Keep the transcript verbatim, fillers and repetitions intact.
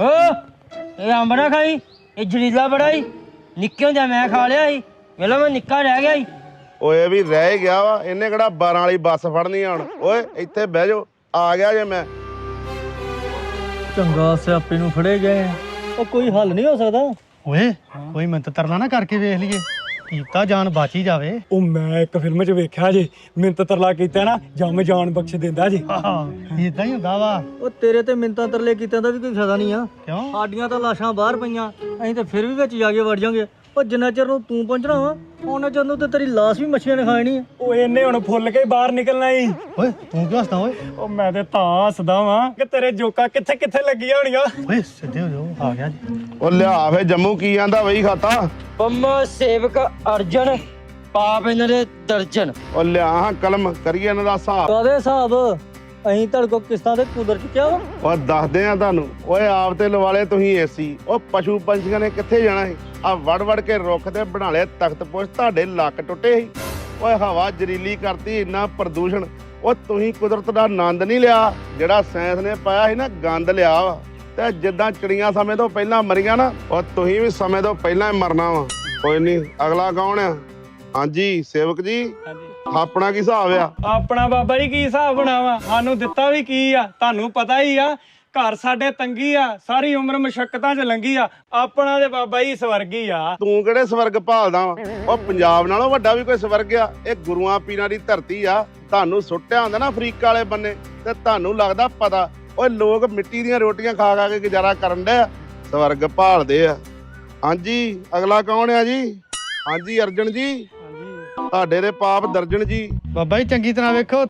ਓ ਇਹ ਅੰਬ ਨਾ ਖਾਈ, ਇਹ ਜ਼ਹਿਰੀਲਾ ਬੜਾ ਈ। ਨਿੱਕੇ ਹੁੰਦਿਆਂ ਮੈਂ ਖਾ ਲਿਆ ਸੀ, ਵੇਲਾ ਮੈਂ ਨਿੱਕਾ ਰਹਿ ਗਿਆ ਸੀ। ਓਏ ਵੀ ਰਹਿ ਗਿਆ ਵਾ, ਇਹਨੇ ਕਿਹੜਾ ਬਾਰਾਂ ਵਾਲੀ ਬੱਸ ਫੜਨੀ ਆ ਹੁਣ। ਓਏ ਇੱਥੇ ਬਹਿ ਜਾਓ, ਆ ਗਿਆ ਜੇ ਮੈਂ। ਚੰਗਾ ਸਿਆਪੇ ਨੂੰ ਫੜੇ ਗਏ। ਉਹ ਕੋਈ ਹੱਲ ਨਹੀਂ ਹੋ ਸਕਦਾ? ਓਏ ਕੋਈ ਮਿੰਤ ਤਰਲਾ ਨਾ ਕਰਕੇ ਵੇਖ ਲਈਏ, ਕੀਤਾ ਜਾਨ ਬਚ ਹੀ ਜਾਵੇ। ਉਹ ਮੈਂ ਇੱਕ ਫਿਲਮ 'ਚ ਵੇਖਿਆ ਜੇ, ਮਿੰਤ ਤਰਲਾ ਕੀਤਾ ਨਾ ਜੰਮ ਜਾਨ ਬਖਸ਼ ਦਿੰਦਾ ਜੀ। ਇਦਾਂ ਹੀ ਹੁੰਦਾ ਵਾ। ਉਹ ਤੇਰੇ ਤੇ ਮਿੰਤਾਂ ਤਰਲੇ ਕੀਤਿਆਂ ਦਾ ਵੀ ਕੋਈ ਫਾਇਦਾ ਨਹੀਂ ਆ। ਕਿਉਂ? ਸਾਡੀਆਂ ਤਾਂ ਲਾਸ਼ਾਂ ਬਾਹਰ ਪਈਆਂ, ਅਸੀਂ ਤਾਂ ਫਿਰ ਵੀ ਵਿੱਚ ਜਾ ਕੇ ਵੜ ਜਾਾਂਗੇ। ਉਹ ਜਿੰਨਾ ਚਿਰ ਨੂੰ ਤੂੰ ਪਹੁੰਚਣਾ ਵਾ ਉਹਨਾਂ ਚਿਰ ਨੂੰ ਤੇ ਤੇਰੀ ਲਾਸ਼ ਵੀ ਮੱਛੀਆਂ ਨੇ ਖਾਣੀ ਆ। ਉਹ ਇਹਨੇ ਹੁਣ ਫੁੱਲ ਕੇ ਬਾਹਰ ਨਿਕਲਣਾ ਈ। ਓਏ ਤੂੰ ਕਿਉਂ ਹੱਸਦਾ ਓਏ? ਉਹ ਮੈਂ ਤੇ ਤਾਂ ਹੱਸਦਾ ਵਾਂ ਕਿ ਤੇਰੇ ਜੋਕਾਂ ਕਿੱਥੇ ਕਿੱਥੇ ਲੱਗੀਆਂ ਹੋਣੀਆਂ। ਓਏ ਸਿੱਧੇ ਹੋ ਜਾਓ, ਆ ਗਿਆ ਜੀ। ਉਹ ਲਿਆ ਫੇ ਜੰਮੂ ਕੀ ਆਂਦਾ ਬਈ ਖਾਤਾ। ਪੰਮਾ ਸੇਵਕ ਅਰਜਨ, ਪਾਪ ਇਹਨਾਂ ਦੇ ਦਰਜਨ। ਉਹ ਲਿਆ ਹਾਂ ਕਲਮ, ਕਰੀਏ ਇਹਨਾਂ ਦਾ ਹਿਸਾਬ। ਕਾਹਦੇ ਹਿਸਾਬ? ਅਸੀਂ ਤੁਹਾਡੇ ਕੋਲ ਕਿਸ਼ਤਾਂ ਤੇ ਕੁਦਰ ਚੁੱਕਿਆ ਵਾ। ਉਹ ਦੱਸਦੇ ਆ ਤੁਹਾਨੂੰ। ਓਏ ਆਪ ਤੇ ਲਵਾਲੇ ਤੁਸੀਂ ਏਸੀ। ਉਹ ਪਸ਼ੂ ਪੰਛੀਆਂ ਨੇ ਕਿੱਥੇ ਜਾਣਾ ਸੀ? ਆ ਵੜ ਵੜ ਕੇ ਰੁੱਖ ਤੇ ਬਣਾ ਲਿਆ ਤਖਤ ਪੁਸ਼, ਤੁਹਾਡੇ ਲੱਕ ਟੁੱਟੇ ਸੀ। ਓਏ ਹਵਾ ਜ਼ਰੀਲੀ ਕਰਤੀ, ਇੰਨਾ ਪ੍ਰਦੂਸ਼ਣ। ਉਹ ਤੁਸੀਂ ਕੁਦਰਤ ਦਾ ਆਨੰਦ ਨਹੀਂ ਲਿਆ, ਜਿਹੜਾ ਸਾਇੰਸ ਨੇ ਪਾਇਆ ਸੀ ਨਾ ਗੰਦ ਲਿਆ ਵਾ। ਤੇ ਜਿੱਦਾਂ ਚਿੜੀਆਂ ਸਮੇਂ ਤੋਂ ਪਹਿਲਾਂ ਮਰੀਆਂ ਨਾ, ਉਹ ਤੁਸੀਂ ਵੀ ਸਮੇਂ ਤੋਂ ਪਹਿਲਾਂ ਹੀ ਮਰਨਾ ਵਾ। ਕੋਈ ਨਹੀਂ, ਅਗਲਾ ਕੌਣ ਆ? ਹਾਂਜੀ ਸੇਵਕ ਜੀ, ਆਪਣਾ ਕੀ ਹਿਸਾਬ ਆ? ਆਪਣਾ ਬਾਬਾ ਜੀ ਕੀ ਹਿਸਾਬ ਬਣਾਵਾ? ਸਾਨੂੰ ਦਿੱਤਾ ਵੀ ਕੀ ਆ, ਤੁਹਾਨੂੰ ਪਤਾ ਹੀ ਆ। ਘਰ ਸਾਡੇ ਤੰਗੀ ਆ, ਸਾਰੀ ਉਮਰ ਮੁਸ਼ੱਕਤਾਂ 'ਚ ਲੰਘੀ ਆ। ਆਪਣਾ ਤੇ ਬਾਬਾ ਜੀ ਸਵਰਗੀ ਆ। ਤੂੰ ਕਿਹੜੇ ਸਵਰਗ ਭਾਲਦਾ ਵਾ? ਉਹ ਪੰਜਾਬ ਨਾਲੋਂ ਵੱਡਾ ਵੀ ਕੋਈ ਸਵਰਗ ਆ? ਇਹ ਗੁਰੂਆਂ ਪੀਰਾਂ ਦੀ ਧਰਤੀ ਆ। ਤੁਹਾਨੂੰ ਸੁੱਟਿਆ ਹੁੰਦਾ ਨਾ ਅਫਰੀਕਾ ਵਾਲੇ ਬੰਨੇ, ਤੇ ਤੁਹਾਨੂੰ ਲੱਗਦਾ ਪਤਾ। ਓਏ ਲੋਕ ਮਿੱਟੀ ਦੀਆਂ ਰੋਟੀਆਂ ਖਾ ਖਾ ਕੇ ਗੁਜ਼ਾਰਾ ਕਰਨ ਡਿਆ, ਸਵਰਗ ਭਾਲਦੇ ਆ। ਹਾਂਜੀ ਅਗਲਾ ਕੌਣ ਆ ਜੀ? ਹਾਂਜੀ ਅਰਜਨ ਜੀ, ਤੁਹਾਡੇ ਦੇ ਪਾਪ ਦਰਜਨ ਜੀ। ਬਾਬਾ ਜੀ ਚੰਗੀ ਤਰ੍ਹਾਂ ਵੇਖੋ,